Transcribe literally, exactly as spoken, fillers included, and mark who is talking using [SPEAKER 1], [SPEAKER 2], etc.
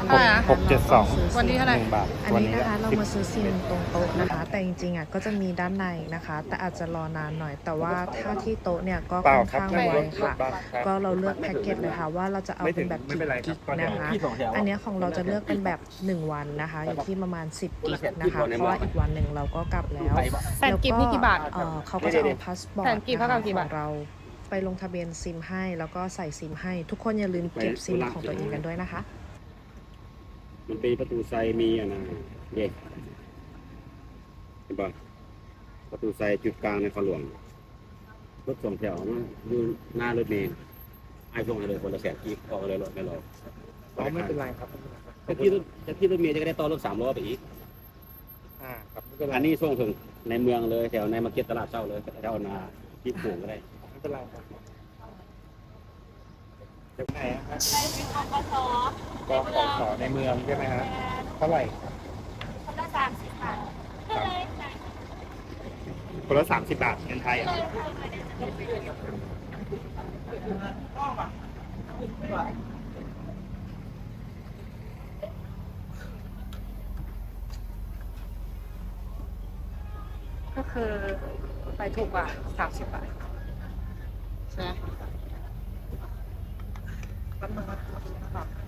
[SPEAKER 1] เท่าไหร่นะ
[SPEAKER 2] หกเจ็ดสอง
[SPEAKER 1] วันนี้เท่าไหร่
[SPEAKER 2] หนึ่งบาท
[SPEAKER 3] อัน
[SPEAKER 2] วัน
[SPEAKER 3] นี้
[SPEAKER 2] นี้
[SPEAKER 3] นะคะ
[SPEAKER 2] แหละ
[SPEAKER 3] เรามาซื้อซิมตรงโต๊ะนะคะ แต่จริงๆอ่ะก็จะมีด้านในนะคะ แต่อาจจะรอนานหน่อย แต่ว่าถ้าที่โต๊ะเนี่ยก็
[SPEAKER 2] เปล่า
[SPEAKER 3] ค่อน
[SPEAKER 2] ครับ
[SPEAKER 3] ข้าง
[SPEAKER 2] ไม่
[SPEAKER 3] ไว
[SPEAKER 2] รถร
[SPEAKER 3] ค่ะ
[SPEAKER 2] ถบัสครับ
[SPEAKER 3] ก็เราเลือกแพ็กเกจเลยค่ะว่าเราจะเอา
[SPEAKER 2] ไม่ถึ
[SPEAKER 3] เป็
[SPEAKER 2] ง
[SPEAKER 3] นแบบ
[SPEAKER 2] ไม่
[SPEAKER 3] กี่
[SPEAKER 2] เป็นไรครั
[SPEAKER 3] กิ
[SPEAKER 2] บ
[SPEAKER 3] ก
[SPEAKER 2] ก็เดี๋ยว
[SPEAKER 3] นะคะ
[SPEAKER 4] พี่สองแถว
[SPEAKER 3] อันเนี้ยของเราจะเลือกเป็นแบบหนึ่งวันนะคะอยู่ที่ประมาณสิบกิกนะคะเพราะว่าอีกวันหนึ่งเราก็กลับแล้ว
[SPEAKER 1] แสนกิฟต์นี่กี่บาท
[SPEAKER 3] เอ่อเขาก็จะเอาพาสปอร์
[SPEAKER 1] แส
[SPEAKER 3] ต
[SPEAKER 1] นกิฟต์เท่ากับกี่บาท
[SPEAKER 3] ของเราไปลงทะเบียนซิมให้แล้วก็ใส่ซิมให้ ทุกคนอย่าลืมเก็บซิมของตัวเองกันด้วยนะคะ
[SPEAKER 4] มันเป็นประตูไซมีอ่ะนะเด็กเห็นปะประตูไซจุดกลางในขหลวงรถสองแถวนะอยู่หน้ารถเมล์ไอ้ส่งให้เลยคนละแสนกีบออกเลยรถไม่รอ
[SPEAKER 2] อ๋อไม่เป็นไรครับ
[SPEAKER 4] จะที่รถจะที่รถเมล์จะได้ต่อรถสามล้อไปอีก
[SPEAKER 2] อ่าครับไม่เป็นไร
[SPEAKER 4] อันนี้ส่งถึงในเมืองเลยแถวในมาร์เก็ตตลาดเช้าเลยแถวนาที่ปลูกก็ได้
[SPEAKER 2] ไม่เป็นไรครับเดี๋ยวไหนอะครับ
[SPEAKER 5] กส
[SPEAKER 2] กองขอขอในเมืองใช่ไหมฮะเท่าไหร่
[SPEAKER 5] คนละสามสิบบาทก็เลยจ่าย
[SPEAKER 2] คนละสามสิบบาทเงินไทยอ่ะ
[SPEAKER 1] ก็คือไปถูกกว่าสามสิบบาทใช่ไหมแป๊บนึงนะ